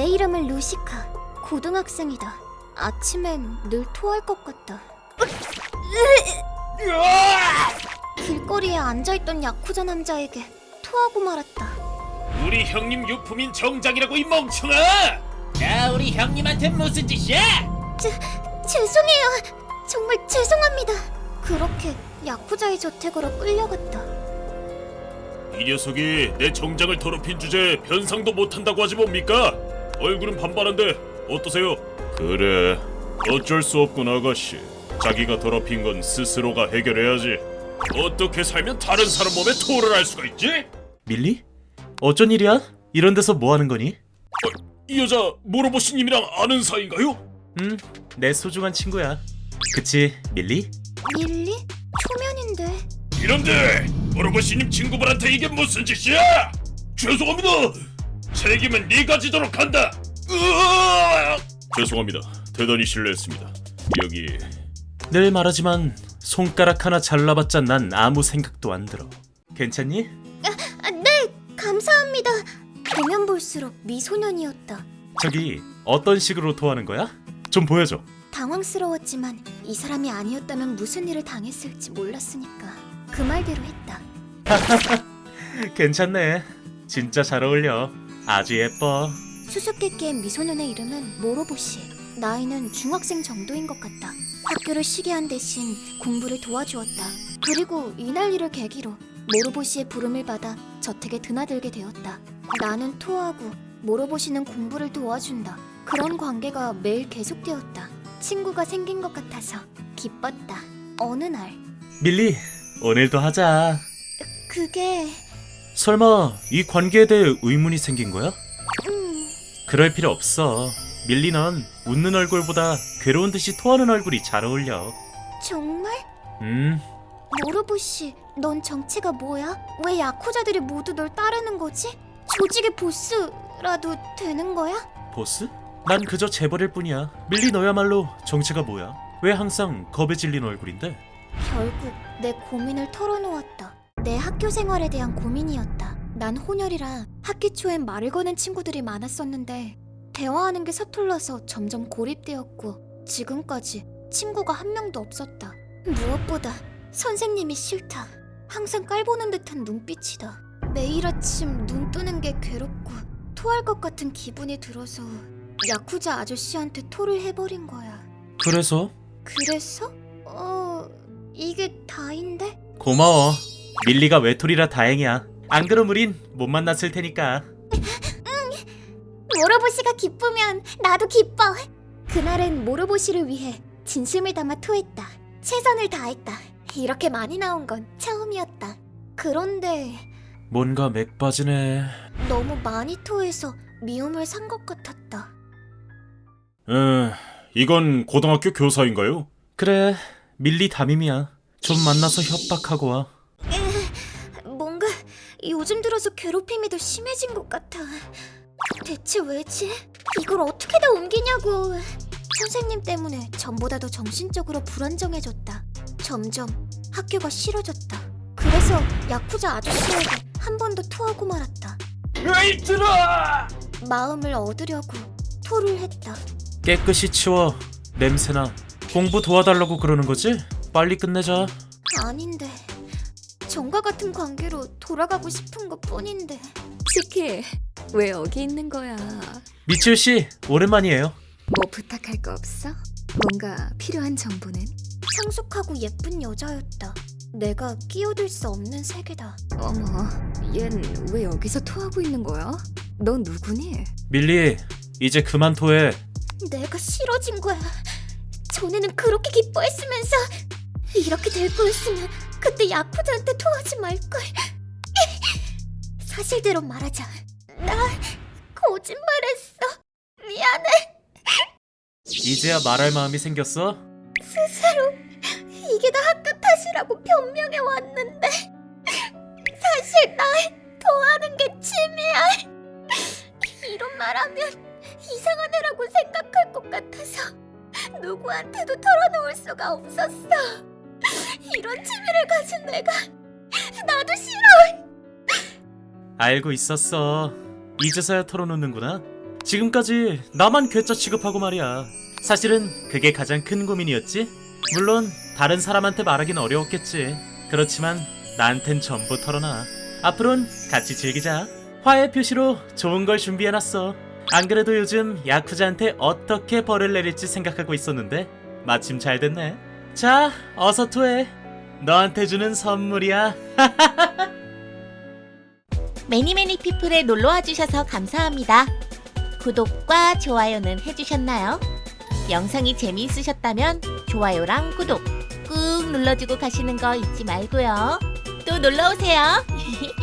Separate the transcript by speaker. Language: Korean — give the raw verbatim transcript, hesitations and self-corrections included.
Speaker 1: 내 이름은 루시카. 고등학생이다. 아침엔 늘 토할 것 같다. 길거리에 앉아있던 야쿠자 남자에게 토하고 말았다.
Speaker 2: 우리 형님 유품인 정장이라고 이 멍청아! 야, 우리 형님한테 무슨 짓이야?
Speaker 1: 제, 죄송해요. 정말 죄송합니다. 그렇게 야쿠자의 저택으로 끌려갔다.
Speaker 2: 이 녀석이 내 정장을 더럽힌 주제에 변상도 못한다고 하지 뭡니까? 얼굴은 반반한데 어떠세요? 그래, 어쩔 수 없군 아가씨. 자기가 더럽힌 건 스스로가 해결해야지. 어떻게 살면 다른 사람 몸에 토를 할 수가 있지?
Speaker 3: 밀리? 어쩐 일이야? 이런 데서 뭐 하는 거니?
Speaker 2: 이 여자 모로보시님이랑 아는 사이인가요?
Speaker 3: 음, 내 소중한 친구야. 그치, 밀리?
Speaker 1: 밀리? 초면인데.
Speaker 2: 이런데 모로보시님 친구분한테 이게 무슨 짓이야? 죄송합니다. 책임은 네가 지도록 한다. 으아! 죄송합니다. 대단히 실례했습니다. 여기
Speaker 3: 늘 말하지만 손가락 하나 잘라봤자 난 아무 생각도 안 들어. 괜찮니?
Speaker 1: 아, 네, 감사합니다. 보면 볼수록 미소년이었다.
Speaker 3: 저기 어떤 식으로 토하는 거야? 좀 보여줘.
Speaker 1: 당황스러웠지만 이 사람이 아니었다면 무슨 일을 당했을지 몰랐으니까 그 말대로 했다.
Speaker 3: 괜찮네. 진짜 잘 어울려. 아주 예뻐.
Speaker 1: 수수께끼의 미소년의 이름은 모로보시. 나이는 중학생 정도인 것 같다. 학교를 쉬게 한 대신 공부를 도와주었다. 그리고 이날 일을 계기로 모로보시의 부름을 받아 저택에 드나들게 되었다. 나는 토하고 모로보시는 공부를 도와준다. 그런 관계가 매일 계속되었다. 친구가 생긴 것 같아서 기뻤다. 어느 날
Speaker 3: 밀리, 오늘도 하자.
Speaker 1: 그게...
Speaker 3: 설마 이 관계에 대해 의문이 생긴 거야?
Speaker 1: 음...
Speaker 3: 그럴 필요 없어. 밀리 넌 웃는 얼굴보다 괴로운 듯이 토하는 얼굴이 잘 어울려.
Speaker 1: 정말?
Speaker 3: 음,
Speaker 1: 모로보시, 넌 정체가 뭐야? 왜 야쿠자들이 모두 널 따르는 거지? 조직의 보스라도 되는 거야?
Speaker 3: 보스? 난 그저 재벌일 뿐이야. 밀리 너야말로 정체가 뭐야? 왜 항상 겁에 질린 얼굴인데?
Speaker 1: 결국 내 고민을 털어놓았다. 내 학교 생활에 대한 고민이었다. 난 혼혈이라 학기 초엔 말을 거는 친구들이 많았었는데 대화하는 게 서툴러서 점점 고립되었고 지금까지 친구가 한 명도 없었다. 무엇보다 선생님이 싫다. 항상 깔보는 듯한 눈빛이다. 매일 아침 눈 뜨는 게 괴롭고 토할 것 같은 기분이 들어서 야쿠자 아저씨한테 토를 해버린 거야.
Speaker 3: 그래서?
Speaker 1: 그래서? 어... 이게 다인데?
Speaker 3: 고마워. 밀리가 외톨이라 다행이야. 안 그럼 우린 못 만났을 테니까.
Speaker 1: 모로보시가 기쁘면 나도 기뻐. 그날은 모로보시를 위해 진심을 담아 토했다. 최선을 다했다. 이렇게 많이 나온 건 처음이었다. 그런데
Speaker 3: 뭔가 맥 빠지네.
Speaker 1: 너무 많이 토해서 미움을 산 것 같았다.
Speaker 2: 에, 이건 고등학교 교사인가요?
Speaker 3: 그래, 밀리 담임이야. 좀 만나서 협박하고 와.
Speaker 1: 뭔가 요즘 들어서 괴롭힘이 더 심해진 것 같아. 대체 왜지? 이걸 어떻게 다 옮기냐고. 선생님 때문에 전보다 더 정신적으로 불안정해졌다. 점점 학교가 싫어졌다. 그래서 야쿠자 아저씨에게 한 번 더 토하고 말았다.
Speaker 2: 에이 들어!
Speaker 1: 마음을 얻으려고 토를 했다.
Speaker 3: 깨끗이 치워. 냄새나. 공부 도와달라고 그러는 거지? 빨리 끝내자.
Speaker 1: 아닌데, 전과 같은 관계로 돌아가고 싶은 것 뿐인데.
Speaker 4: 치키, 왜 여기 있는 거야?
Speaker 3: 미치우 씨, 오랜만이에요.
Speaker 4: 뭐 부탁할 거 없어? 뭔가 필요한 정보는?
Speaker 1: 성숙하고 예쁜 여자였다. 내가 끼어들 수 없는 세계다.
Speaker 4: 어머, 얜 왜 여기서 토하고 있는 거야? 너 누구니?
Speaker 3: 밀리, 이제 그만 토해.
Speaker 1: 내가 싫어진 거야. 전에는 그렇게 기뻐했으면서 이렇게 될 거였으면 그때 야쿠자한테 토하지 말걸. 사실대로 말하자. 나 거짓말했어. 미안해.
Speaker 3: 이제야 말할 마음이 생겼어?
Speaker 1: 스스로 이게 다 학교 탓이라고 변명해 왔는데 사실 나 토하는 게 취미야. 이런 말하면 이상한 애라고 생각할 것 같아서 누구한테도 털어놓을 수가 없었어. 이런 취미를 가진 내가 나도 싫어.
Speaker 3: 알고 있었어. 이제서야 털어놓는구나. 지금까지 나만 괴짜 취급하고 말이야. 사실은 그게 가장 큰 고민이었지. 물론 다른 사람한테 말하긴 어려웠겠지. 그렇지만 나한텐 전부 털어놔. 앞으론 같이 즐기자. 화해 표시로 좋은 걸 준비해놨어. 안 그래도 요즘 야쿠자한테 어떻게 벌을 내릴지 생각하고 있었는데 마침 잘 됐네. 자, 어서 토해. 너한테 주는 선물이야.
Speaker 5: 매니매니 피플에 놀러와 주셔서 감사합니다. 구독과 좋아요는 해주셨나요? 영상이 재미있으셨다면 좋아요랑 구독 꾹 눌러주고 가시는 거 잊지 말고요. 또 놀러오세요.